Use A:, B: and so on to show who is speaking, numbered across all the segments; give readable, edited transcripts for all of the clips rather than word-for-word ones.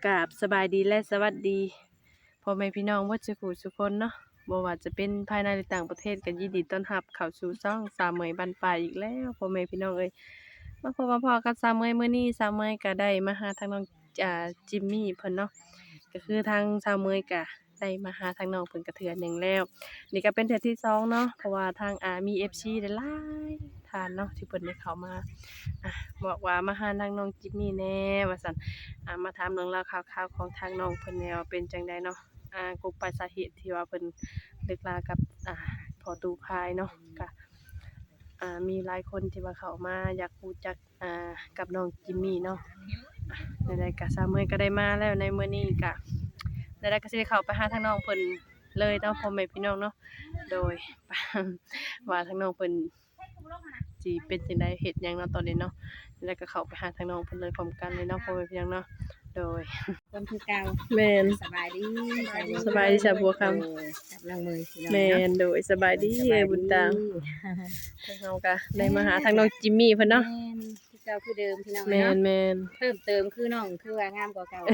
A: กราบสบายดีและสวัสดีพ่อแม่พี่น้องว่าจะผู้ทุกคนเนาะบ่ว่าจะเป็นภายในหรือต่างประเทศก็ยินดีต้อนรับเข้าสู่ช่องสามเมยบันปลายอีกแล้วพ่อแม่พี่น้องเอ้ยมาพบมาพอกับสามเมยมื้อนี้สามเมยก็ได้มาหาทางน้องจิมมี่เพิ่นเนาะก็คือทางสามเมยก็ได้มาหาทางน้องเพิ่นก็เทื่อหนึงแล้วนี่ก็เป็นเทื่อที่สองเนาะเพราะว่าทางมี FC หลายๆท่านเนาะที่เพิ่นได้เข้ามาบอกว่ามาหาทางน้องจิมมี่แน่ว่าซั่น มาถามเรื่องราวข่าวๆของทางน้องเพิ่นแนวเป็นจังไดเนาะกกปลายสาเหตุที่ว่าเพิ่นเลิกลากับพ่อตู่พายเนาะก็มีหลายคนที่ว่าเข้ามาอยากรู้จักกับน้องจิมมี่เนาะใดๆก็สามมื้อก็ได้มาแล้วในมื้อนี้ก็ใดๆก็สิได้เข้าไปหาทางน้องเพิ่นเลยเนาะพ่อแม่พี่น้องเนาะโดย ว่าทางน้องเพิ่นสิเป็นจังไดเฮ็ดหยังเนาะตอนนี้เนาะแล้วก็เข้าไปหาทางน้องเพิ่นเลยพร้อมกันเลยเนาะพ่อแม่พี่น้องเนาะโดย
B: คนคือเก่า
A: แม่น
B: สบายดี
A: สบายดีจ้ะบัวคำ
B: กับนางมือพี่น้อง
A: แม่นโดยสบายดีเอ้ยบุญตามทางเฮาก็ได้มาหาทางน้องจิมมี่เพิ่นเนาะ
B: แม่นคือเก่าคือเดิมพี่น้อง
A: แม่น
B: เนาะ
A: แม่น
B: เพิ่มเติมคือน้องคือว่างามกว่าเก่า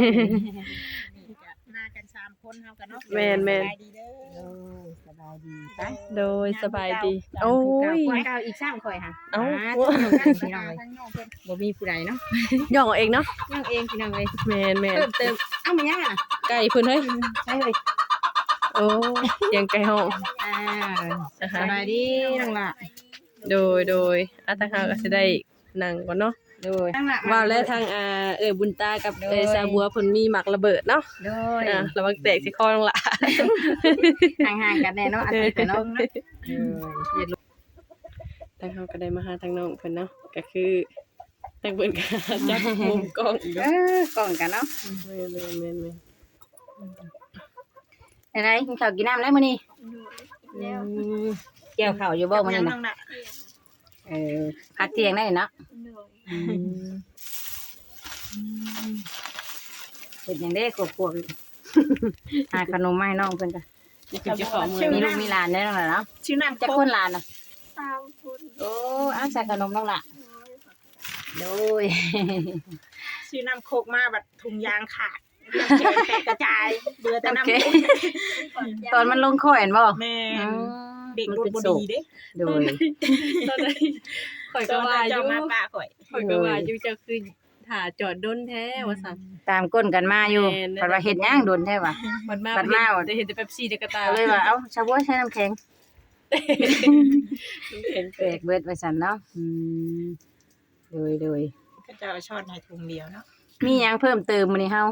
C: มากัน3คนเฮากันเนาะ
A: แม่นแม่น
C: สบายดีเด้อ
B: สบายดีไป
A: โดยสบายดีโอ้ย
B: กว่าเก่าอีก3ข่อยค่ะ
A: เอ้า
B: พี่น้องเอ้ย
C: ทั้งน้องเพิ่น
B: บ่มีผู้ใดเนาะ
A: ย่องเอาเองเนาะ
B: น้องเองพี่น้องเอ้ย
A: แม่นแม่น
B: เพิ่มเติมเอ้ามายังอ่ะ
A: ไก่เพิ่นเฮ้ย
B: ใช่เฮ้ย
A: โอ้เสียงไก่ฮ้อง
B: สบายดีน้องล่ะ
A: โดยทางเฮาก็สิได้นั่งก่อนเนาะ
B: โดยทั้งล่ะ
A: ว่าแล้วทางเอ้ยบุญตากับเอ้ยสาบัวเพิ่นมีหมักระเบิดเนาะ
B: โดย
A: ระวังแตกสิคอน้องล่ะ
B: ห่างๆกันแน่เนาะอาทิตย์กันเนาะเนาะ
A: ทางเฮาก็ได้มาหาทางน้องเพิ่นเนาะก็คือทางเพิ่นก็จับมุมกล้องอีก
B: เอ
A: เนาะ
B: อกล่องกันเนาะ
A: แม่น
B: อะไรกินข้าวกินน้ำแล้วมื้อนี้เกี่ยวข้าวอยู่บ่มื้อนี้
C: น้
B: น่ะ
C: องน่ะ
B: พักเที่ยงได้เนาะเฮ็ดหยังได้กวบๆหาขนมมาให้น้องเพิ่นจ้ะ
A: นี่คือเจ้าของเมือง
B: มีลูกมีหลานได้น้องล่ะเนาะ
C: ชื่อน้ำ
B: จัก
C: โค
B: ค
C: ก
B: นหลานน่ะ
D: 3 คน
B: โอ้อ้าวใส่ขนมน้องล่ะโดย
C: ชื่อน้ำโคกมาบัดถุงยางขาดเรื่องแขนแตกกระจายเบื่อแต่
B: โอ
C: น้ำ
B: เค
C: โคก
B: ตอนมันลงคอเห็นบ่
C: แม่
B: อื
C: น
B: ม
C: เด็ก
B: มัน
C: รถ
B: เป็น
C: บ่
B: โศ
C: ดี
B: ก
C: เด้
B: โดย
A: ตอนนั้นข่อย
C: ต
A: ก็
C: อน
A: ว่า
C: นั้น
A: อ
C: เจ้า
A: ยู่
C: มาป้าข่อย
A: ข่อยก็ว่าอยู่จะคือถ่าจอดด้นแท้ว่าซั่น
B: ตามก้นกันมาอยู่
A: แม่น
B: เพิ่นว่าเฮ็ดหยังโดนแท้ว่ะ
A: มันมา
B: บัดมาว่ะ
A: ได้เห็นแต่เป๊ปซี่ในกระตา
B: ก็เลยว่าเอ้าชาวบัวใช้น้ำแข็ง
A: เห็น
B: แปลกเบิดไว้ซั่นเนาะโดย
C: ก็จะเอาช้อนให้ถุงเดียวเนาะ
B: มีหยังเพิ่มเติมมื้อนี้เฮา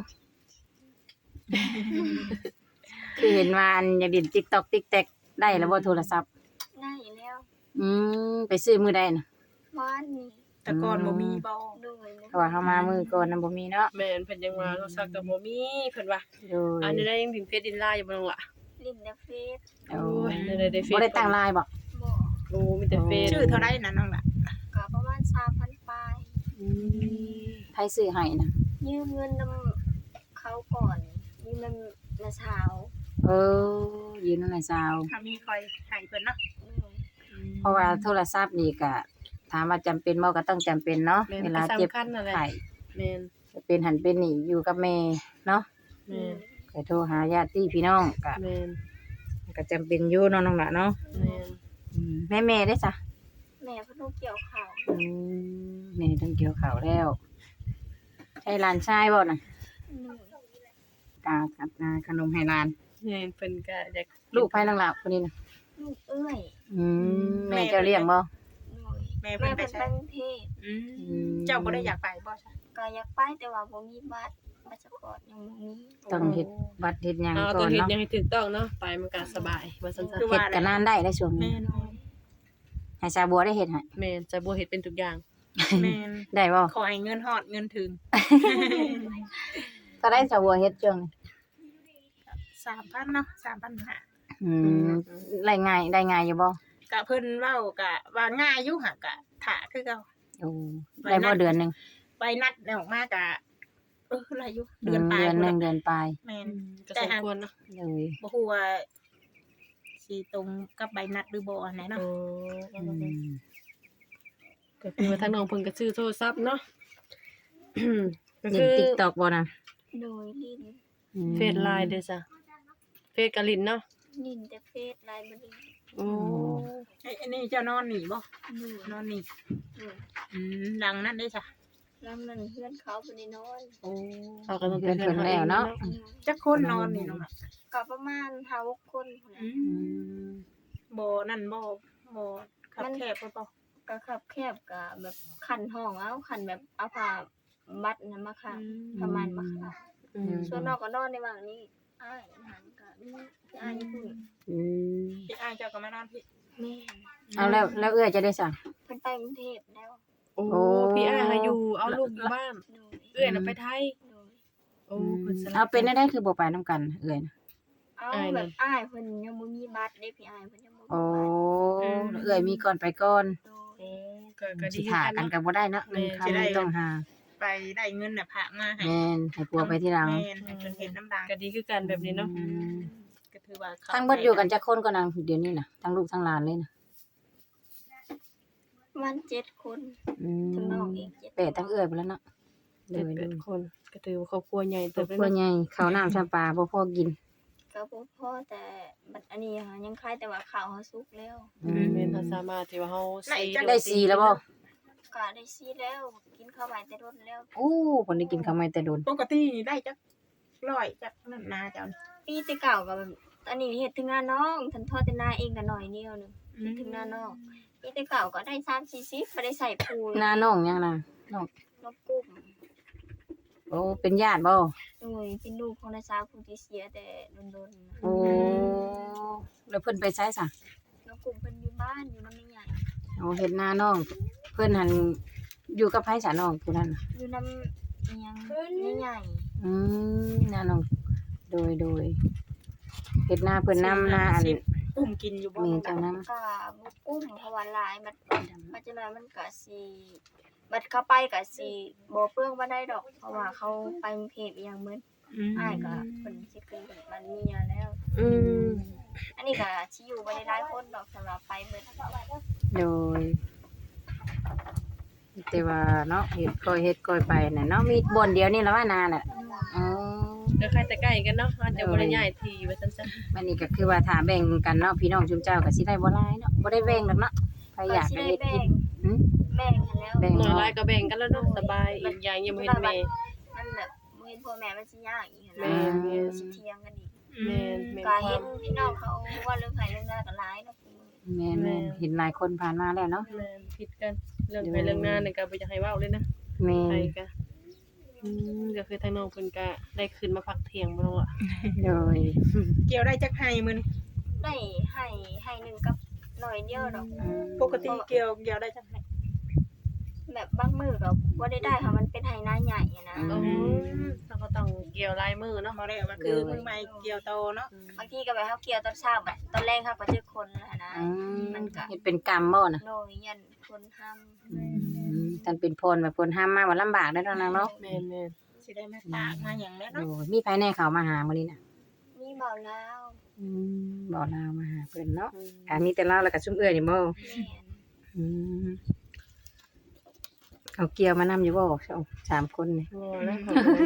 B: คือเห็นว่าอันอยากเล่น TikTok TikTok ได้แล้วบ่โทรศัพท์
D: ได้แล้ว
B: ไปซื้อมื้อใดน่ะ
D: บ้านนี้
C: แต่ก่อนบ่มีบ่
D: โดย
B: เพราะว่าเฮามามื้อก่อนน่ะบ่มีเนาะ
A: แม่นเพิ่นยังว่าโทรศัพท์ก็บ่มีเพิ่นว่า
B: โดย
A: อันนี้ได้ยังถึงเพชรดินลายอยู่บ่น้องล่ะ
D: ลินเดเฟส
B: โอ้
A: โอ้ย
B: ย
A: ได้เฟซ
B: บ่ได้ตั้งไลน์บ่
D: บอก
A: โอ้มีแต่เฟซ
C: ชื่อเท่าไรนะน้องน่ะ
D: ก็ประมาณ3,000ปลาย
B: ไผซื้อให้น่ะ
D: ยืมเงินนำเขาก่อนยืมเงินนาสาว
B: เออยืนนั่นน่ะสาว
C: ถ้ามีคอยให้เพิ่นเนาะ
D: โดย
B: เพราะว่าโทรศัพท์นี่ก็ถามว่าจำเป็นบ่ก็ต้องจำเป็นเนาะ
A: แม่น
B: เว
A: ก็
B: ลาเจ็บ
A: สำคัญนั่นแหละ
B: ไข้
A: แม่น
B: จะเป็นหันเป็นนี่อยู่กับแม่เนาะ
A: แม่น
B: ก็โทรหาญาติพี่น้องก็
A: แม่น
B: ก็จำเป็นอยู่เนาะน้องละเนาะ
A: แม่น
B: แม่ได้จ้ะ
D: แม่เพิ่นต้องเกี่ยวข้าว
B: แม่ต้องเกี่ยวข้าวแล้วใช่หลานชายบ่น่ะ
D: โดย
B: กากับขนมให้หลาน
A: แม่นเพิ่นก็อยาก
B: ลูกไผน้องละคนนี้น่ะ
D: ลูกเอ้ย
B: แม่เจ้าเลี้ยงบ่
D: โดย
C: แม่
D: แม่
C: เพิ่นไป
D: เพิ่น
C: ใช้
D: ไปกรุงเทพ
C: เจ้าบ่ได้อยากไปบ่ใช่
D: ก็อยากไปแต่ว่าบ่มีบัตรบัตรสปอร์ตยังบ่มี
B: ต้องเฮ็ดบัตรเฮ็ดหยัง
A: เอา
B: ก่
A: ต้
B: อ
A: อง
B: น
A: เฮ็ด
B: เนาะ
A: หยังให้ถูกต้องเนาะไปมันก็สบายว่าซั่น
C: คือ
B: เฮ็ด
C: ว่า
B: ก็นานได้ช่วง
C: แม่
B: นี้
C: น
B: ให้ชาบัวได้เฮ็ดให้
A: ๆแม่นจะบ่เฮ็ดเป็นทุกอย่าง
C: แม่น
B: ได้บ่
C: ขอให้เงินฮอดเงินถึง
B: ก็ได้ชาบัวเฮ็ดช่วงนี้
C: 3,000เนาะ3,500
B: ได้ง่ายได้ง่ายอยู่บ่
C: กะเพิ่นเว้ากะว่าง่ายอยู่หะกะถ้าคือเก่า
B: โอ้ได้บ่เดือนหนึง
C: ไปนัดออกมากะอะไรอยู่เดือนปลาย
B: เดือนหนึง
C: พุ่น
B: เดือนปลาย
C: แม่น
A: ก็สมควรเนาะ
B: เลย
C: บ่ฮู้ว่าสิตรงกับใบนัดหรือบ่อันไหนเนาะ
A: โอ้ก็คือว่าทางน้องเพิ่นก็ซื้อโทรศัพท์เนาะ ก็
B: เล่
A: คื
B: น
A: อ
B: TikTok บ่น่ะ
D: โดยลิ้น
A: เฟซไลน์เด้อจ้ะเฟซกะลินเนาะ
D: ลิ้นแต่เฟซไลน์บ่ลิ้น
A: โอ้
C: อันนี้เจ้านอนนี่บ่
D: โดย
C: นอนนี่
D: โดย
C: ดังนั่นได้จ้ะ
D: ลำนั้นเพื่อนเขาบ่ได้นอน
C: โอ้
A: เอาก็ต้อง
B: เพิ่น
A: เพิ่
B: แล้วเนาะ
C: จักคนนอนนี่น้องล่ะ
D: ก็ประมาณ5-6คนพุ่นน่ะ
C: บ่นั่นบ่ขับแคบบ่
D: ก็คับแคบก็แบบคันห้องเอาคันแบบเอาผ้ามัดนั้นมาค่ะประมาณมาค่ะ
A: อืม
D: ส่วนนอกก็นอนในว่างนี้อ้ายหันก็มีพี่อ้ายญี่ปุ่น
C: พี่อ้ายเจ้าก็มานอนพี่
D: แม่น
B: เอาแล้วเอื้อยจะได้สั่ง
D: เพิ่นไปกรุงเทพแล้ว
A: โอ้
B: โอ้
A: พี่อ้ายหาอยู่เอาลูกอยู่บ้าน
D: โดย
A: เอื้อยน่ะไปไทย
D: โดย
A: โอ้เพิ่นสลับ
B: เอาเป็นได้คือบ่ไปนํกันเอื้อยนะ
D: เอา
A: อ้ายนั่น
D: แบบอ้ายเพิ่นยังบ่มีบัตรเด้พี่อ้ายเพิ่นยังบ่มี
B: โอ้
D: บัตร
B: เอื้อยมีก่อนไปก่อน
D: โดย
A: โอ้ก็ดี
B: สิ
A: คือ
B: ถ่า
A: กัน
B: กัน
A: เนาะ
B: ก็บ่ได้เนาะ
A: แม่
B: เงินคำมันต้องหา
C: ไปได้เงินน่ะพระมาให้
B: แม่นให้ปัวไปที่หลัง
C: แม่นให้เพิ่นเห็นน้ำดัง
A: ก็ดีคือกันแบบนี้เนาะ
C: ก็ถือว่าเขา
B: ทั้งเบิดอยู่กันจักคนก็นางเดี๋ยวนี้น่ะทั้งลูกทั้งหลานเลยนะ
D: ประมาณ7คน
B: อืม
D: ทั้งน้องอีก7
B: แปดทั้งเอื้อยไปแล้วเนาะเดี๋ยว
A: เป็
B: ดู
A: นคนก็ถือว่าครอบครัวใหญ่
B: คร
A: เติ
B: อ
A: บบ ไป
B: ครัว
A: เนาะ
B: ใหญ่ข้าวน้ำชาปลาบ่พอกิน
D: ก็บ่พอแต่บัดอันนี้ค่ะยังคล้ายแต่ว่าข้าวเฮาสุกแล้ว
A: แม่นเฮาสามารถที่ว่าเฮาซี
B: ได้สีแล้วบ่
D: ก็ได้ซีแล้วกินข้าวใหม่แต่รนแล้ว
B: โอ้เพิ่นได้กินข้าวใหม่แต่โดน
C: ปกตินี่ได้จัก100จักนั่นนาเจ้านี่
D: ปีแต่เก่าก็แบบอันนี้เฮ็ดถึงงานน้องทันทอดแต่นาเองก็หน่อยเดียวหนึงเฮ็ดถึงหน้านอกปีแต่เก่าก็ได้3-40บ่ได้ใส่ปูน
B: หน้าน้องยังน่ะน้อง
D: นกกุ้ม
B: โอ้เป็นญาติบ่
D: โดยเป็นลูกของนายสาวผู้ที่เสียแต่โดนๆนะ
B: โอ้แล้วเพิ่นไปไสซะ
D: นกกุ้มเพิ่นอยู่บ้านอยู่นำแม่ใหญ่
B: โอ้เฮ็ดหน้าน้องเพิ่นหันอยู่กับไผซะน้องผู้นั้นน่ะ
D: อยู่นำอิหยังแม่ใหญ่
B: หน้าน้องโดยเฮ็ดหน้าเพิ่นนำหน้าอัน
C: อุ้มกินอยู่บ่
B: มี
C: น้อง
B: เจ้า
C: ดำ
B: นำ
D: ก็บ่กุ้มเพราะว่าหลายมันจะน้อยมันก็สิบัดเข้าไปก็สิบ่เปลืองบ่ได้ดอก เพราะว่าเขาไปกรุงเทพอีหยังมื้ออ้ายก็เพิ่นสิขึ้นบ้านเมียแล้ว
A: อืม
D: อันนี้ก็สิอยู่บ่ได้หลายคนดอกสำหรับไปเบิด
B: โดยแต่ว่าเนาะเฮ็ดก้อยไปน่ะเนาะมีบ่อนเดียวนี่ละว่านาน่ะอ๋อ
A: ก็ใครแต่ใกล้กันเนาะอาจจะบ่ได้ย้ายที่ว่าซั่นซะ
B: มันนี่ก็คือว่าถ้าแบ่งกันเนาะพี่น้องชุมเจ้าก็สิได้บ่หลายเนาะบ่ได้แบ่งดอกเนาะใครอยาก
D: สิ
B: ก็
D: ได้
B: เฮ็ด
D: แบ่
B: กิ
D: ง
B: นหึ
D: แบ่งกันแล้ว
B: แบ่ง
A: น้อยหลายก็แบ่งกันแล้วเนาะสบายอีกอย่างยังบ่เห็นแม่
D: มันแบบบ่เห็นพ่อแม่มันสิยากอีก
A: แม่
D: นะ
A: นแม่น
D: สิเถียงกันอีก
A: แม่นแม่น
D: ก็
A: ค
D: เห็
A: วาน ม
D: พี่น้องเขาว่าเรื่องไผเรื่องหน้าก็หลายเนาะ
B: แม่นๆเห็นหลายคนผ่านมาแล้วเนาะ
A: แม่นผิดกันเรื่องไปเรื่องหน้านี่ก็บ่อยากให้เว้าเลยนะ
B: แม่
A: ใคร
B: น
A: ก็ก็คือทางน้องเพิ่นก็ได้ขึ้นมาพักเที่ยงบ่เนาะ
B: โดย
C: เกี่ยวได้จักไห้มื้อนี้
D: ได้ให้หนึงกับหน่อยเดียวดอก
C: ปกติเกี่ยวได้จักไห้
D: แบบบางมื้อก็บ่ได้ค่ะมันเป็นไหนาใหญ่อะนะ
A: อ๋อเราก็ต้องเกี่ยวลายมือเนาะ
C: บ่ได้ว่าคือมือใหม่เกี่ยวโตเนาะ
D: บางทีก็แบบเฮาเกี่ยวตอนเช้าแบบตอนแรกเขาก็เจอคนแล้วนะ มันก็
B: เฮ็ดเป็นกรรมบ่น่ะ
D: โดยยันคนทำ
B: ท่านเป็นพลแบบพลห้ามมาว่าลำบากได้อเนาะนางเนาะ
A: แม่น
C: สิได้มาฝากมาหยังแล้ว
B: โด
C: เนาะ
B: ยมีไผแน่เขามาหามื้อนี้น่ะ
D: มีเบาแล้ว
B: บ่ลาวมาหาเพิ่นเนาะ
A: ๆ
B: มีแต่ลาวแล้วก็ซุมเอื้อยนี่บ่
D: แม่น
B: อืมเขาเกี่ยวมานำอยู่บ่สามคนนี่
A: งอแล้ว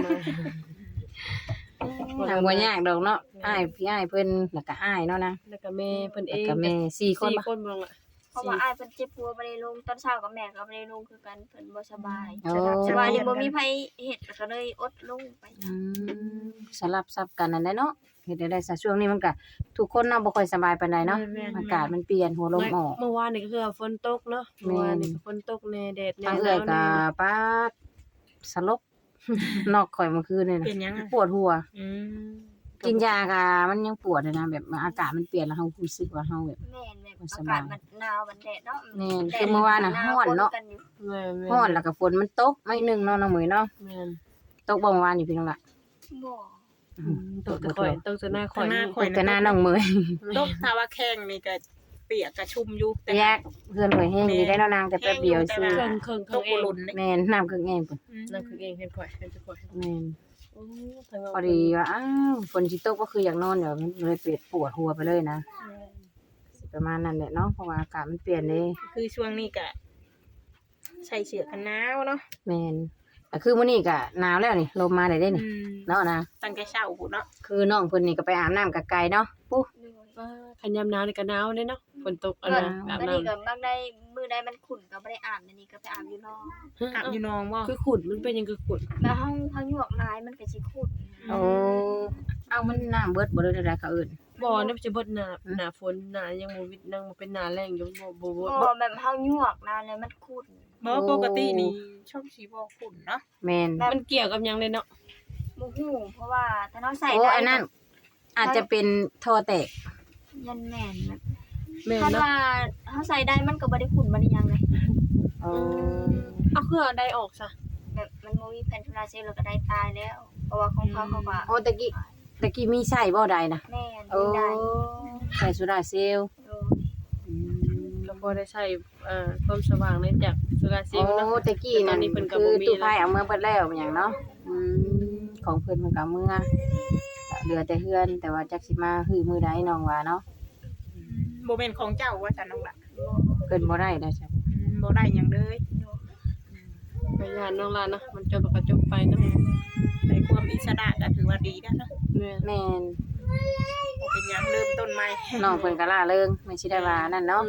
B: ทางบ่ยากดอกเนาะอ้ายพี่อ้ายเพิ่นแล้วก็อ้ายเนาะนะ
A: แล้วก็แม่เพิ่นเอ
B: แล้ว
A: ง
B: ก็แม่4คน
A: 4
B: บ่
A: คนบ่ล่ะ
D: เพราะว่าอ้ายเพิ่นเจ็บหัวบ่ได้ลงตอนเช้ากับแม่ก็บ่ได้ลงคือกันเพิ่นบ่สบาย
B: โอ้
D: สบายนี่บ่มีไผเฮ็ดก็เลยอดลงไป
B: อืมสลับซับกันนั่นแหละเนาะเฮ็ดได้ซะช่วงนี้มันก็ทุกคนเนาะบ่ค่อยสบายปานใดเนาะอากาศมันเปลี่ยนหัวลมออก
A: เมื่อวานนี่ก็คือฝนตกเนาะเมื่อวานนี่ก็ฝนตกแน่แดดแน่
B: ทางเอื้อยก็ป๊าดสลบ นอกข่อยเมื่อคืนนี่น่ะ
C: เป็นหยังอ่ะ
B: ปวดหัว
C: อืม
B: กินยาก็มันยังปวดเลยนะแบบอากาศมันเปลี่ยนแล้วเฮารู้สึกว่าเฮาแบบ
D: แม่นแบบอากาศมันหนาวมันแดดเนาะ
B: แม่นคือเมื่อวานน่ะร้อนเนาะ
A: แม่น
B: ร้อนแล้วก็ฝนมันตกไม่นึงเนาะน้องเหมยเนาะ
A: แม่น
B: ตกบ่เมื่อวานนี่พี่น้องล่ะ
D: บ่
A: ตกแต่ข่อยตกแต่หน้าข่อยนี่
B: ตกแต่หน้าน้องเหมย
C: ตกถ้าว่าแข้งนี่ก็เปียกก็ชุ่มอยู่แต่
B: แยกเพื่อนข่อยแห้งดีได้เนาะนางแต่แป๊บเดียวซื่อ
A: เครื่องเครื่อง
C: ตก
A: เอ
C: บ่
A: ง
C: หล่นเด้
B: แม่นน้ำเครื่องแห้งพุ่น
A: นั่นคือเองเห็นข่อยเห็นข่อย
B: แม่น
A: โอ้ทางเรา
B: พอดีว่าอ้าวฝนสิตกก็คืออยากนอนเดี๋ยวมันเลยปวดหัวไปเลยนะสิประมาณนั้นแหละเนาะเพราะว่าอากาศมันเปลี่ยนเลย
C: คือช่วงนี้ก็ใส่เสื้อกันหนาวเนาะ
B: แม่นก็คือมื้อนี้ก็หนาวแล้วนี่ลมมาได้เด้นี่เนาะนะ
C: ตั้งแต่เช้าพู้นเนาะ
B: คือน้องเพิ่นนี่ก็ไปอาบน้ำกับไก่เนาะปุ๊
A: คันยามหนาวนี่ก็หนาวเด้เนาะฝนตกอัน
D: ก็
A: น่ะอาบ
D: อัน
A: น้ำ
D: นี้ก็บางได้มื้อใดมันขุ่นก็บ่ได้อาบอันนี้ก็ไปอาบอยู่นอก
C: อาบอยู่นองบ่
A: คือขุดมันเป็นหยังคือขุด
D: แล้วเฮาหยวกลายมันก็สิขุ่น
B: โอ้เอามันน้ำเบิดบ่ได้ได้เขาเอิ้น
A: บ่เนี่ยมันจะเบิดหน้าฝนหน้ายังบ่วิดนั่งบ่เป็นหน้าแล้งอยู่บ่
D: บ่แบบเฮาหยวกนะแล้วมันขุ่น
C: บ่ปกตินี่ช่องสีบ่ขุ่นเนาะ
B: แม่น
A: มันเกี่ยวกับหยังเลยเนาะ
D: บ่ฮู้เพราะว่าถ้าเราใส่
B: โอ้
D: ได้
B: อันนั้นอาจจะเป็นท่อแตก
D: ยันแม่นแบบ
A: แม่น
D: ถ้า
A: เนาะ
D: ว่าเฮาใส่ได้มันก็บ่ได้ขุ่นบ่ได้หยังเลย
B: โอ้
A: เอาเครื่องเอาได้ออกซะ
D: แบบมันบ่มีแผ่นโซลาร์เซลล์แล้วก็ได้ตายแล้ว เพราะว่าของเขาก็
B: โอ้ตะกี้มีใช้บ่ได้นะ
D: แม่น
B: โอ้
D: ได้
B: ใส่โซดาเซลล์
D: โอ้
B: อืม
A: ก็บ่ได้ใช้ความสว่างในจากโซลาร์เซล
B: โอ้
A: ล์เนาะ
B: ตะกี้
A: ตอ
B: นั่
A: น
B: น
A: นี้เพิ่นก็
B: คื
A: บ่
B: อ
A: มี
B: ตู้
A: แล้ว
B: ไฟเอาเมื่อเบิดแล้วอหย่างเนาะของเพิ่นมันก็เอามื่อเหลือแต่เฮือน แต่ว่าจักสิมาฮือมื้อใดน้องว่าเนาะ
C: บ่แม่นของเจ้าว่าซั่นน้องล่ะ
B: เพิ่นบ่ได้นะจ้ะ
C: บ่ได้หยังเลย
A: ไปย่านน้องลาเนาะมันจบแล้วก็จบไปเนาะ
C: ได้ความอิสระก็ถือว่าดีแล้วเนาะ
A: แม่น
B: แม่น
C: บ่เป็นหยังเริ่มต้นใหม่
B: น้องเพิ่นก็ล่าเริงไม่สิได้ว่านั่นเนาะ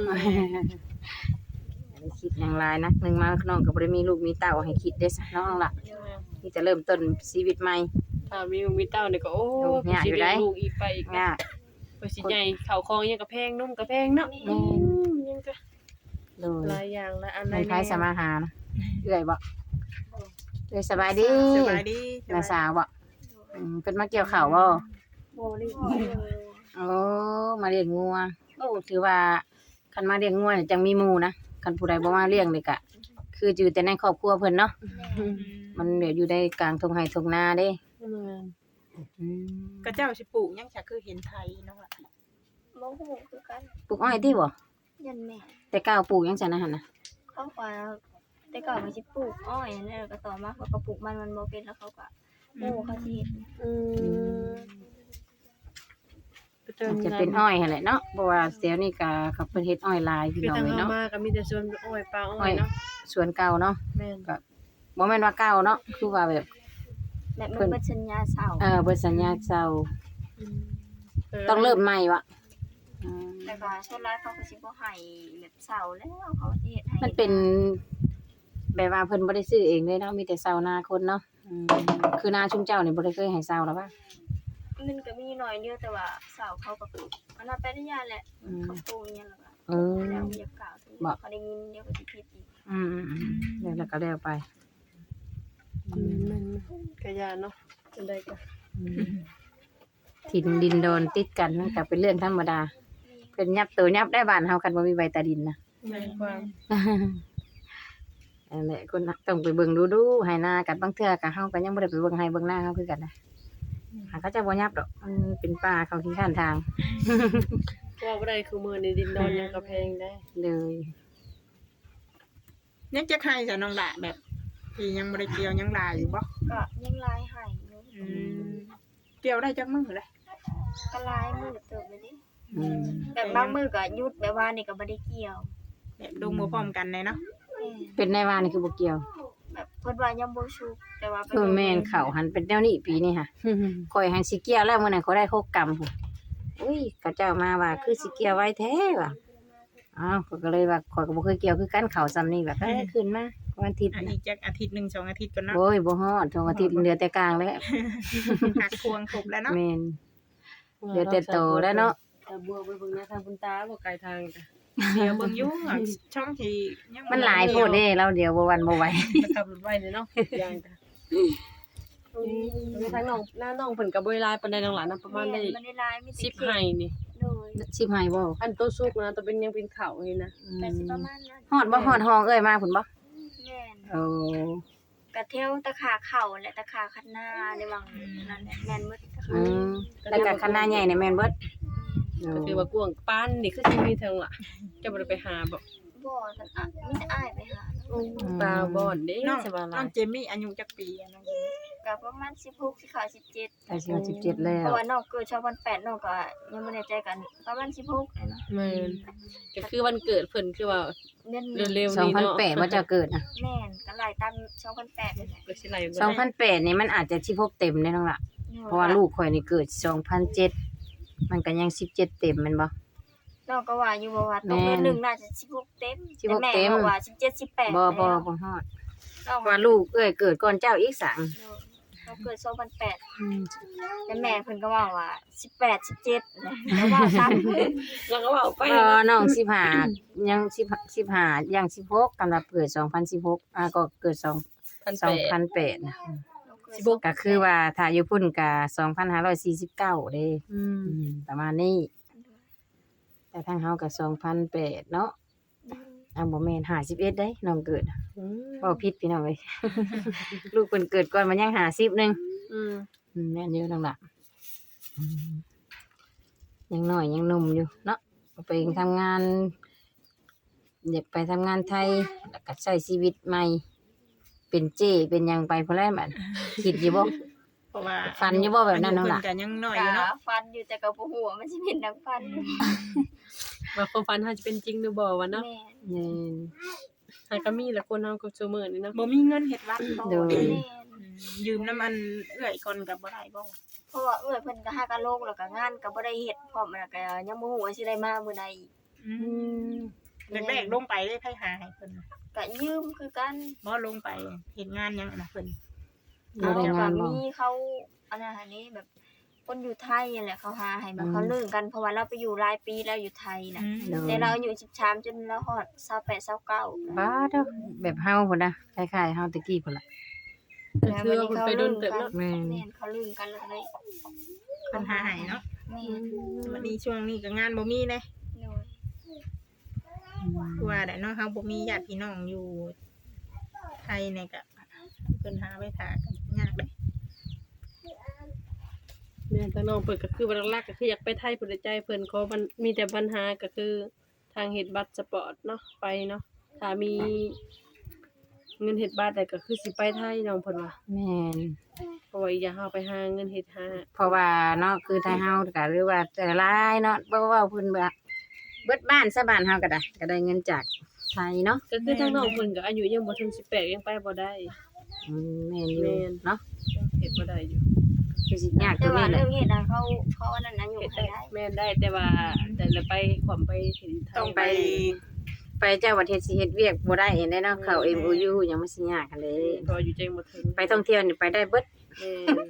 B: อย่าได้คิดหยังหลายนะหนึงมาน้องก็บ่ได้มีลูกมีเต้าให้คิดเด้ซะเนาะน้องล่ะนี่จะเริ่มต้นชีวิตใหม่
A: ถ้ามีลูกมีเต้านี่ก็โอ้
B: โอ้ยากอยู่
A: สิ
B: ได้
A: เลี้ยงลูกอีกไปอีก
B: ยาก
A: ไปสิใหญ่ข้าวคองยังกระแพงนุ่มกระแพงเนาะ
B: แม่น
A: ยังก็
B: โดย
A: หลายอย่างหลายอันห
B: ใน
A: ลาย
B: ไผสมาหานะเอื้อยบ่เอื้อยสบายดี
C: สบายดี
B: น้าสาวบ่เพิ่นมาเกี่ยวข้าวบ่
D: บ่ได้
B: โอ้มาเลี้ยงงัวโอ้ถือว่าคันมาเลี้ยงงัวเนี่ยจังมีหมู่นะคันผู้ใดบ่มาเลี้ยงนี่ก็คืออยู่แต่ในครอบครัวเพิ่นเนาะมันเดี๋ยวอยู่ในกลางทุ่งไร่ทุ่งนาเด้
A: แม่น
B: อืม
C: ก็เจ้าสิปลูกหยังจะคือเห็นไทยเนาะล่ะ
D: บ่ฮู้คือกัน
B: ปลูกอ้อยติบ่
D: ยันแม่
B: แต่ก้าวปลูกหยังซั่นนะหั่นน่ะ
D: เขาว่าแต่ก่อนมันสิปลูกอ้อยนั่นแหละก็ต่อมาเขาก็ปลูกมันบ่เป็นแล้วเขาก็โอ้เขาสิเฮ็ด
A: อืมไปเติม
B: อาจจะเป็นอ้อยหั่นแหละเนาะเพราะว่าเดี๋ยวนี้ก็เขาเพิ่นเฮ็ดอ้อยลายพี่
A: คือ
B: น้อง
A: ทาง
B: เลย
A: เฮา
B: เนาะ
A: มาก็มีแต่ส่วนอ้อยปลาอ้อยเนาะ
B: สวนเก่าเนาะ
A: แม่น
B: บ่แม่นว่าเก่าเนาะคือว่าแบบ
D: แบบมันเป็นสัญญาเสา
B: เบิดสัญญาเก่าต้องเริ่มใหม่วะอืม
D: แต่ก็ส่วนหลายเขาก็สิบ่ให้แบบเสาแล้วเขาสิเฮ็ดให้
B: มันเป็นแบบว่าเพิ่นบ่ได้ซื้อเองเลยเนาะมีแต่เซานาคนเนาะคือนาชุมเจ้านี่บ่ได้เคยให้เซาแล้วป่ะ
D: มันก็มีหน่อยเดียวแต่ว่าเสาเขาก็มันว่าเป็นญาแหละ
B: อืม
D: เขาปลูกอย่างแล้วก็
B: เออ
D: แล้วเรียกกล่าวถึงเขาได้ยินเดี๋ยวก็สิผิดอีก
B: แล้วก็แล้วไป
A: มันกะยาเนาะจังได๋ก็
B: ถิ่นดินโดนติดกันมันก็เป็นเรื่องธรรมดาเพิ่นยับตัวยับได้บ้านเฮากันบ่มีใบตาดินนะ
A: แม่นความ
B: นั่นแหละคนต้องไปเบิ่งดูๆให้หน้ากันบางเทื่อก็เฮาก็ยังบ่ได้ไปเบิ่งให้เบิ่งหน้าเฮาคือกันนะหาเขาจะบ่ยับดอกมันเป็นป่าเขาขี้ข้านทาง
A: ว่าบ่ได้คือมื้อนี้ดินดอนยังกระแพงได้
B: เลย
C: ยังจะให้ซะน้องล่ะแบบที่ยังบ่ได้เกี่ยวยังหลายอยู่บ่
D: ก็ยังลายให้อยู่
C: เกี่ยวได้จักมื้อเลย
D: ก็ลายมือเติบเลยดิ
B: อืม
D: แบบบางมือก็หยุดแบบว่านี่ก็บ่ได้เกี่ยว
C: แบบลงมือพร้อมกันเลยเนาะ
B: เป็นในว่านี่คือบ่เกี่ยว
D: แบบเพิ่นว่ายังบ่ชุกแต่ว่า
B: คือแม่นเขาหันเป็นแนวนี้ปีนี้ค่ะข่อยหันสิเกี่ยวแล้วมื้อนั้นเขาได้6กรัมพุ่นอุ้ยเขาเจ้ามาว่าคือสิเกี่ยวไว้แท้ว่ะอ้าวข้อยก็เลยว่าข่อยก็บ่เคยเกี่ยวคือกันเขาซ้ำนี่แบบขึ้นมาวันอาทิตย์
C: อัน
B: นะ
C: นี้จักอาทิตย์1 2อาทิตย์ก่อนเนาะ
B: โอ้ยบ่ฮอด2อาทิตย์เหลือแต่กลางแล้ว
C: หักควงครบแล้วเนาะ
B: แม่นเหลือแต่โตแล้วเนาะ
A: แต่บัวไปเบิ่งหน้าทางคุณตาบ่ไกลทางจ้ะ
C: เดี๋ยวเบิ่งอยู่ช่องที่ยัง
B: มันหลายโพดเด้เราเดี๋ยวบ่วันบ่ไหว
A: ไปขับรถไว้เลยเนาะอย่างจ้ะไปทางน้องหน้าน้องเพิ่นก็บ่ได้หลายปานใดน้องหลานนะประมาณได้
D: มันได้ลายมี
A: 10ไห้นี่
D: โดย
B: สิบให้บ่
A: อันตัวสุกนะตัวเป็นยังเป็นข้าวนี่นะ
D: แต่สิประมาณนั้น
B: ฮอดบ่ฮอดห้องเอ้ยมาพุ่นบ่
D: แม่น
B: โอ้
D: กระเทวตะขาเข่าและตะขาคันหน้าในวังนั่นแหละแม่นมืดตะขา
B: อืมแล้วก็คณะใหญ่นี่แม่นเบิด
A: ก็คือว่ากวางปานนี่คือสิมีเทิงล่ะจะบ่ได้ไปหาบ่
D: บ่ทันอ่ะมีแต่อ้ายไปหา
A: ตาบอดเด้
C: น้อง
A: สบาย
C: น้องเจมี่อายุจักปีอะน้อง
D: กก็ประมาณ16สิเข้า17
B: ไปสิ17แล้
D: เพ
B: ว
D: ราะว่าน้องเกิด2008น้องก็ยังบ่แน่ใจกันประมาณ16เลยเนาะ
A: แม่นก็คือวันเกิดเพิ่นคือว่า
D: เดือนนี้
A: เร็วๆนี้เนาะ
B: 2008ว่าจะเกิดนะ
D: แม่นก็ไล่ตาม2008นี่แหละ
A: ก็สิไล่บ่ได้
B: 2008นี่มันอาจจะ16เต็มได้น้องล่ะเพราะว่าลูกข่อยนี่เกิด2007มันก็ยัง17เต็มแม่นบ่
D: น้องก็ว่าอยู่ว่าตรงเดือนหนึงน่าจะ16เต็ม
B: 16
D: แต่แม่
B: เต็ม
D: บอกว่า17 18
B: บ่
D: แล้ว
B: ฮอด
D: น้อง
B: ว่าลูกเกิดก่อนเจ้าอีกสัง
D: เขาเกิด2008แต่แม่เพิ่นก็ว่าว่า18 17แล้วว่าซ้ำ
A: แล้วก็เว้าไป
B: น้อง15ยัง15ยัง16กำลังเกิด2016ก็เกิด2008นะ
A: 16
B: ก็คือว่าถ้าอยู่พุ่นก็2549เด้
A: อืม
B: ประมาณนี้ แต่ทางเฮาก็2008เนาะบ่แม่น51เด้น้องเกิดเว้าผิดพี่น้องเอ้ย ลูกเพิ่นเกิดก่อนมันยัง50นึง
A: อืม
B: แม่นอยู่นั่นล่ะยังน้อยยังหนุ่มอยู่เนาะไปทำงานอยากไปทำงานไทยแล้วก็ใช้ชีวิตใหม่ เป็นเจ้เป็นหยังไปพุ่นแหล้วบัดคิดอยู่บ่
C: เพราะว่า
B: ฟันอยู่บ่แบบนั้นน้องล่ะ
C: เพิ่ก็ยังน้อยอ
D: ก็
C: ยู่เนาะ
D: ฟันอยู่แต่ก็บ่ฮู้ว่ามันสิเป็นดังฟัน
A: ว่าความฝันเฮาจะเป็นจริงหรือบ่วะเนาะ
D: แม่น
B: แม่น
A: หาก็มีแหละคนเฮาก็ซุมื้อนี้เนาะ
C: บ่มีเงินเฮ็ดวัดบ่
B: โดย
D: แม่น
C: ยืมน้ำมันเอื้อยก่อนก็บ่ได้บ่
D: เพราะว่าเอ้ยเพิ่นก็หากะโลกแล้วก็งานก็บ่ได้เฮ็ดพร้อมแล้วก็ยังบ่ฮู้ว่าสิได้มามื้อใดอีก
C: แรกๆลงไปได้ไผหาให้เพิ่น
D: ก็ยืมคือกัน
C: บ่ลงไปเฮ็ดงานหยังนะเพิ่น
B: บ่ได้งานบ่
D: มีเขาอันนั้นอันนี้แบบคนอยู่ไทยนั่นแหละเขาหาให้แบบเขาเลิกกันเพราะว่าเราไปอยู่หลายปีแล้วอยู่ไทยน่ะ
B: โดย
D: แต่เราอายุ13จนเราฮอด28 29
B: บ้าเด้อแบบเฮาพุ่นน่ะคล้ายๆเฮาตะกี้พุ่นล่ะ
A: ก็คือว่าเพิ่นไปโดนเติบเนาะ
B: แม่น
D: แม่นเขาลืมกันแล้วเลย
C: เพิ่นหาให้เนาะ
D: แม่น
C: วันนี้ช่วงนี้ก็งานบ่มีเด้
D: โดย
C: คือว่าได้เนาะเฮาบ่มีญาติพี่น้องอยู่ไทยเนี่ยก็เพิ่นหาไว้ท่ากันยากเด้
A: แม่นทางน้องเพิ่นก็คือว่าหลักๆก็คืออยากไปไทยพุ่นใจเพิ่นขอมันมีแต่ปัญหาก็คือทางเฮ็ดบัตรสปอร์ตเนาะไปเนาะถ้ามีเงินเฮ็ดบัตรได้ก็คือสิไปไทยน้องเพิ่นว่า
B: แม่น
A: เพราะว่าอีกอย่างเฮาไปหาเงินเฮ็ดหา
B: เพราะว่าเนาะคือถ้าเฮาก็หรือว่าแต่หลายเนาะบ่เว้าเพิ่นว่าเบิดบ้านซะบ้านเฮาก็ได้เงินจากไทยเนาะ
A: ก็คือทางน้องเพิ่นก็อายุยังบ่ถึง18ยังไปบ่ได้
B: แม่นอยู่
A: แม่น
B: เนาะ
A: เฮ็ดบ่ได้อยู่
B: คือสิยากตร
D: แต่
B: ง
D: ว่า
B: นี้แห
D: เรื่
B: ละ
D: องเฮ็ดน่ะเขาอันนั้นอยู่
A: เฮ็ด
D: ให้
A: ได้
D: ได้
A: แม่นได้แต่ว่าแต่ละไปความไปถึงไทย
C: ต้องไป
B: ไปเจ้าประเทศสิเฮ็ดเวียกบ่ได้เห็นได้เนาะเข้า MOU ยังมันสิยากกันเลย
A: พออยู่ใจบ่ถึง
B: ไปท่องเที่ยวนี่ไปได้เบิด
A: แม่น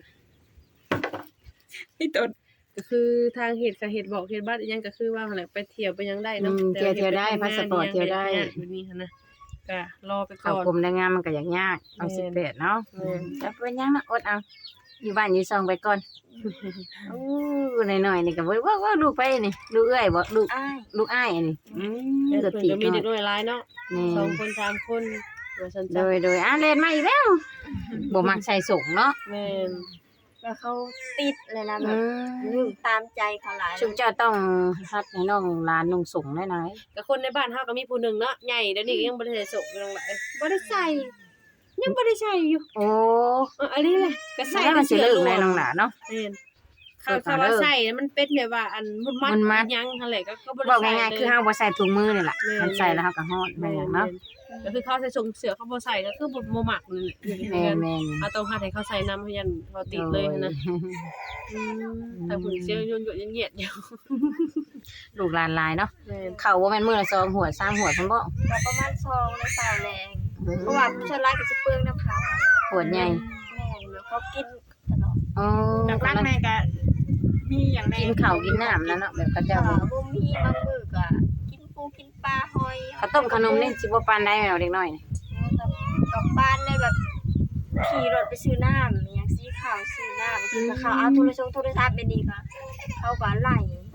C: ที่ต้น
A: ก็คือทางเฮ็ดก็เฮ็ดบอกเฮ็ดบัตรอีหยังก็คือว่าหั่นแหละไปเที่ยวไปหยังได้เนาะ
B: เที่ยวได้พาสปอร์ตเที่ยวได้
A: อยู่นี่หั่นนะก็รอไปก่
B: เข้า
A: อน
B: กรมแรงงานมันก็ยากต้อง
A: แม่น
B: 18เนาะ
A: แม่น
B: จะเป็นหยังนะอดเอาอยู่บ้านอยู่ซองไปก่อนน้อยๆนี่ก็บ่ว่าลูกไปนี่ลูกเอ้ยบ่ลูก
D: อ้าย
B: ลูกอ้ายอันนี้
A: แต่
B: ก็
A: เพิ่น
B: ติ
A: ก็มี
B: เนาะ
A: เด็กน้อยหลายเนาะ
B: นี่
A: 2คน3คนว่าซั่น
B: โด
A: จ้ะ
B: ยเล่นมาอีกแล้วบ่มักใส่ส่งเนาะ
A: แม่น
D: แล้วเขาติดเลยนะแบ
B: อื
D: บ
B: ม
D: ยุ่งตามใจเขาหลาย
B: ชุมเจ้าต้องฮัดให้น้องหลานนุ่งส่งได้หน่อย
A: ก็คนในบ้านเฮาก็มีผู้หนึงเนาะใหญ่เดี๋ยวนี้ก็ยังบ่ได้ใส่ส่งอยู่นั่นแหละบ่ได้ใส่ยังบ่ได้ใส่อยู่
B: โอ้
A: อันนี้แหละก็ใส่
B: แล้วมันสิ
A: แต่
B: เลิก
A: สื้อ
B: ได้น้องหลานเนาะ
A: แม่น
B: เปิด
A: เขา
B: มา
A: ว่า
B: เลิก
A: ใส่มันเป็นแบบว่าอันมุดมัด
B: มุดมัด
A: หยังหั่นแหละก็บ่ได้
B: บอก
A: ใส่
B: ง่ายๆคือเฮาบ่ใส่ถุงมือนี่ล่ะ
A: แม่น
B: มันใส่แล้วเฮาก็ฮอดแม่
A: แม่
B: น
A: น
B: เนาะ
A: ก็คือเขาใส่ส่งเสื้อเขาบ่ใส่ก็คือบ่มักนี่แหละ
B: แม่น
A: เอาต้องหาให้เขาใส่นำเพื่อนเขาติดเลยนะแต่ผู้เชี่ยวยุ่นๆเงียดๆอยู่
B: ลูกหลานหลายเนาะ
A: แม่น
B: เข้าบ่แม่นมื้อละ2หัว3หัวเพิ่นบ่
D: ก็ประมาณ2ใน3แรงเพราะว่าผู้ชายหลายก็สิเปลืองน้ำเขา
B: หัวใหญ่
D: แม่นแล้วเขากินตลอด
B: อ๋อ
C: หลักๆแม่ก็มีอย่างแน่
B: กินข้าวกินน้ำนั่นเนาะแบบเขาเจ้า
D: บ่มีบางมื้อก็กินปูกินปลาหอย
B: ข้าวต้มขนมนี่สิบ่ปานใดแม่เด็กน้อยนี่
D: กับบ้านเลยแบบขี่รถไปซื้อน้ำอหย่างสีขาวซื้อน้ำกินกับข้าวเอาโทรศัพท์ไปนี่ค่ะเขาก็ไล่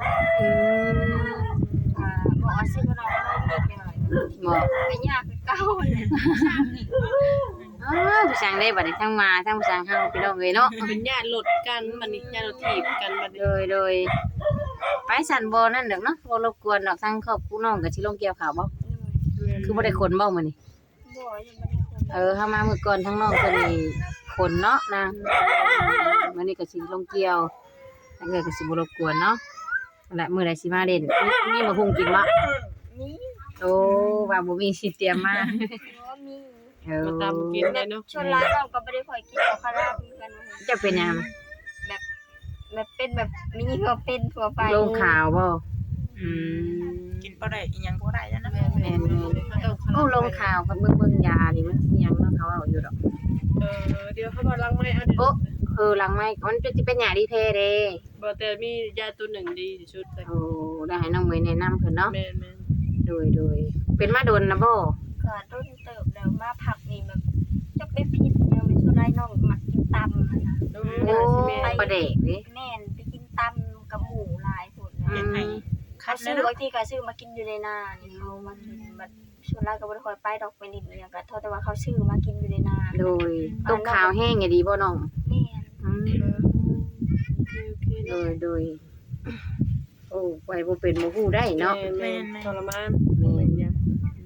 D: บอกว่าซื้อขนมนิดหน่อย
B: บ่
D: ก็ยากคือเก่าเลย
B: ผู้สร้างได้บัดนี้ทั้งมาทั้งผู้สร้างเฮาพี่น้องเอ้ยเนาะ
A: เป็นญาติรถกันบัดนี้ญาติรถถีบกันบัดนี้
B: โดยไปสั่นบ่นั่นดอกเนาะบ่รบกวนดอกทั้งครอบครัวน้องก็สิลงเกี่ยวข้าวบ่คือบ่ได้ขนบ่มื้อนี้
D: บ่ยังบ่ได้คน
B: เฮามามื้อก่อนทั้งน้องเพิ่นนี่ขคนเนาะนางมื้อนี้ก็สิลงเกี่ยวทางเอ้ยก็สิบ่รบกวนเนาะนั่นแหละมื้อใดสิมาเล่นมีมาหุงกินบ่
D: นี่
B: โอ้ว่าบ่มีสิเตรียมมา
D: ว่ามี
B: เออ
A: มาตามกินได้เนาะ
D: ชวนร้านเราก็บ่ได้ค่อยกินเอาคาราบกัน
B: เจะเป็นหยัง
D: แบบเป็นแบบมีก็เป็นทั่วไป
B: ลงข่าวบ่อืม
C: กินบ่ได้อีหยังบ่ได้แล้วนะ
B: แม่นๆโอ้ลงข่าวกับเบิ่งยานี่มันสิหยังเนาะเขาเอาอยู่ดอก
A: เดี๋ยวเขาบอกลังไม่เอาเดี๋ยว
B: โอ้หลังไม้มันสิเป็นยาดีแท้เด้
A: บอกแต่มียาตัวหนึ่งดีที่สุดเลย
B: โอ้ได้ให้น้องเมย์แนะนำเพิ่นเนาะ
A: แม่น
B: โดยเป็นมาโดนนะบ่
D: ก็ต้นเติบแล้วมาผักนี่แบบจะไปผิดยังเป็นชวนร้านน้องมักกินตำนะ
A: ๆ
B: โอ้ประเดกเด้
D: แม่นไปกินตำกับหมูหลายผล
B: อืม
C: คั
D: เขา
C: ดแล้
D: ซื้
C: ว
D: อ
C: เนาะ
D: บางทีก็ซื้อมากินอยู่ในนานี่เขามากินแบบชวนร้านก็บ่ได้ค่อยไปดอกไปนิดอย่างก็เท่าแต่ว่าเขาซื้อมากินอยู่ในนา
B: โดยตกข่าวแห้งอย่าดีบ่น้อง
D: แม่น
B: อืม
A: โอเค
B: โดยโอ้ไว้บ่เป็นบ่ฮู้ได้เนาะ
A: แม่นทรมาน
B: แม่น
A: เป็นยัง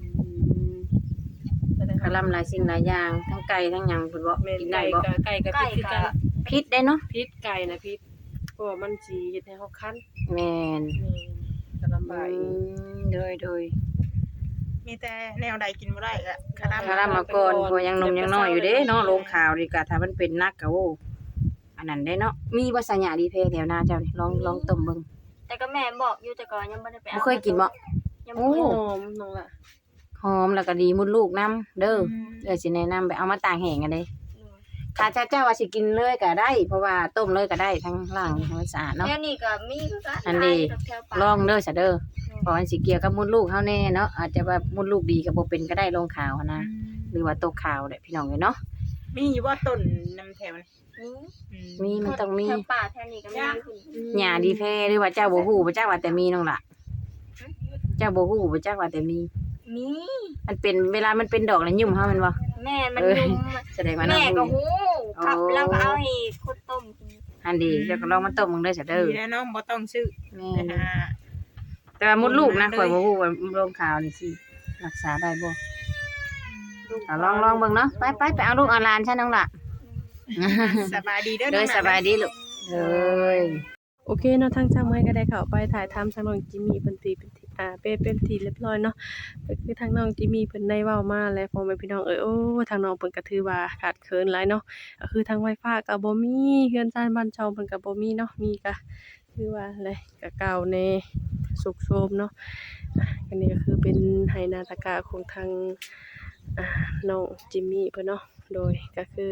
B: คลำหลายสิ่งหลายอย่างทั้งไก่ทั้งหยังเพิ่นบ่
A: แม่น
B: กินได้
A: ไก่
B: บ่
A: กับพิษคือกัน
B: พิษได้เนาะ
A: พิษไก่นะพิษเพราะว่ามันสิเฮ็ดให้เฮาคัน
B: แม่น
A: แม่นก็ลำบากอีก
B: โดย
C: มีแต่แนวใดกินบ่ได้ก็คารา
B: คารามาก่อนเพราะยังหนมยังน้อยอยู่เด้เนาะลงข่าวดีกว่าถ้ามันเป็นนักก็โอ้อันนั้นได้เนาะมีบ่สัญญาดีเพแถวหน้าเจ้านี่ลองต้มเบิ่ง
D: แต่ก็แม่บอกอยู่แต่ก่อนยังบ่ได้ไป
B: บ่เคยกินบ่
D: ยัง
B: โอ้
D: บ่เคย
A: หอมน้องล่ะ
B: หอมแล้วก็ดีมุดลูกน้ำเด้อเดี๋ยวสิแนะนำไปเอามาตากแห้งกันเด้ถ้าเจ้าว่าสิกินเลยก็ได้ เพราะว่าต้มเลยก็ได้ทั้งล่างทั้งสะอาดเนาะ
D: แถวนี้ก็มีคือกัน
B: อันนี้
D: แถวป่า
B: ลองเด้อซะเด้อเพราะมันสิเกี่ยวกับมุดลูกเฮาแน่เนาะอาจจะว่ามุดลูกดีก็บ่เป็นก็ได้ลงข่าวหั้นนะหรือว่าตกข่าวแหละพี่น้องเอ้ยเนาะ
C: มีอยู่ว่าต้นนำแถวนี่
D: มี
B: มีมันต้องมี
D: แถวป่าแถวนี้ก็มีคุณ
B: หญ้าดีแท้หรือว่าเจ้าบ่ฮู้บ่จักว่าแต่มีน้องล่ะเจ้าบ่ฮู้บ่จักว่าแต่มี
D: มี
B: มันเป็นเวลามันเป็นดอกแล้วยุ่มเฮาแม่นบ่
D: แม่มัน
B: เอ้ย
D: ยุ่ม
B: แสดงว่าน้อง
D: แม่ก็
B: ฮู้
D: ฮู้ครับ
B: โอ้
D: เราก็เอาให้คนต้มกิน
B: อันดีเจ้าก็ลองมาต้มมึงเด้อซะเด้อ
C: ดีแล้วเนาะบ่ต้องซื้อ
B: แม่
C: ไป
B: น
C: หา
B: แต่ว่ามดลูกนะข่อยบ่ฮู้ว่าโรคข่าวนี่สิรักษาได้บ่เอาลองเบิ่งเนาะไปเอาลูกเอาหลานฉันน้องล่ะ
C: สบายดีเด้อ
B: เด้อ
C: น้อง
B: สบายดีลูกเด้อ
A: โอเคเนาะทางช่างไม้ก็ได้เข้าไปถ่ายทำทางน้องจิมมี่เป็นทีเรียบร้อยเนาะก็คือทางน้องจิมมี่เพิ่นได้เว้ามาแล้วพ่อแม่พี่น้องโอ้ทางน้องเพิ่นก็ถือว่าขาดเคินหลายเนาะก็คือทางไวไฟก็บ่มีเฮือนซ่านบ้านช่องเพิ่นก็บ่มีเนาะมีก็คือว่าอะไรก็เก่าแน่สุกโทรมเนาะอันนี้ก็คือเป็นไหนาตากะของทางน้องจิมมี่เพิ่นเนาะโดยก็คือ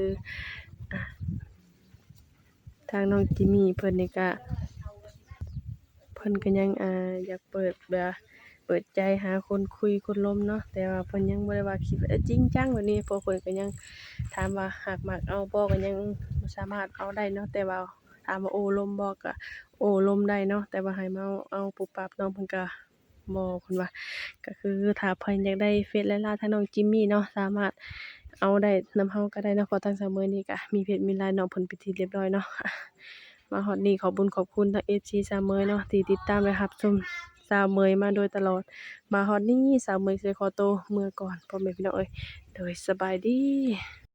A: ทางน้องจิมมี่เพิ่นนี่ก็เพิ่นก็ยังอยากเปิดใจหาคนคุยคนล้มเนาะแต่ว่าเพิ่นยังบ่ได้ว่าคิดว่าจริงจังแบบนี้เพราะเพิ่นก็ยังถามว่าหากมักเอาบ่ก็ยังบ่สามารถเอาได้เนาะแต่ว่าถามว่าโอ้ล้มบ่ก็โอ้ล้มได้เนาะแต่ว่าให้มาเอาปุบปับน้องเพิ่นก็บ่เพิ่นว่าก็คือถ้าเพิ่นอยากได้เฟซและไลน์ทางน้องจิมมี่เนาะสามารถเอาได้นำเฮาก็ได้เนาะเพราะทางเสมอนี่ก็มีเพจมีไลน์น้องเพิ่นเป็นที่เรียบร้อยเนาะ มาฮอดนี้ขอบคุญขอบคุณทาง FC สาวเมยเนาะที่ติดตามและรับชมสาวเมยมาโดยตลอดมาฮอดนี้สาวเมยสิขอตัวเมื่อก่อนพ่อแม่พี่น้องเอ้ยโดยสบายดี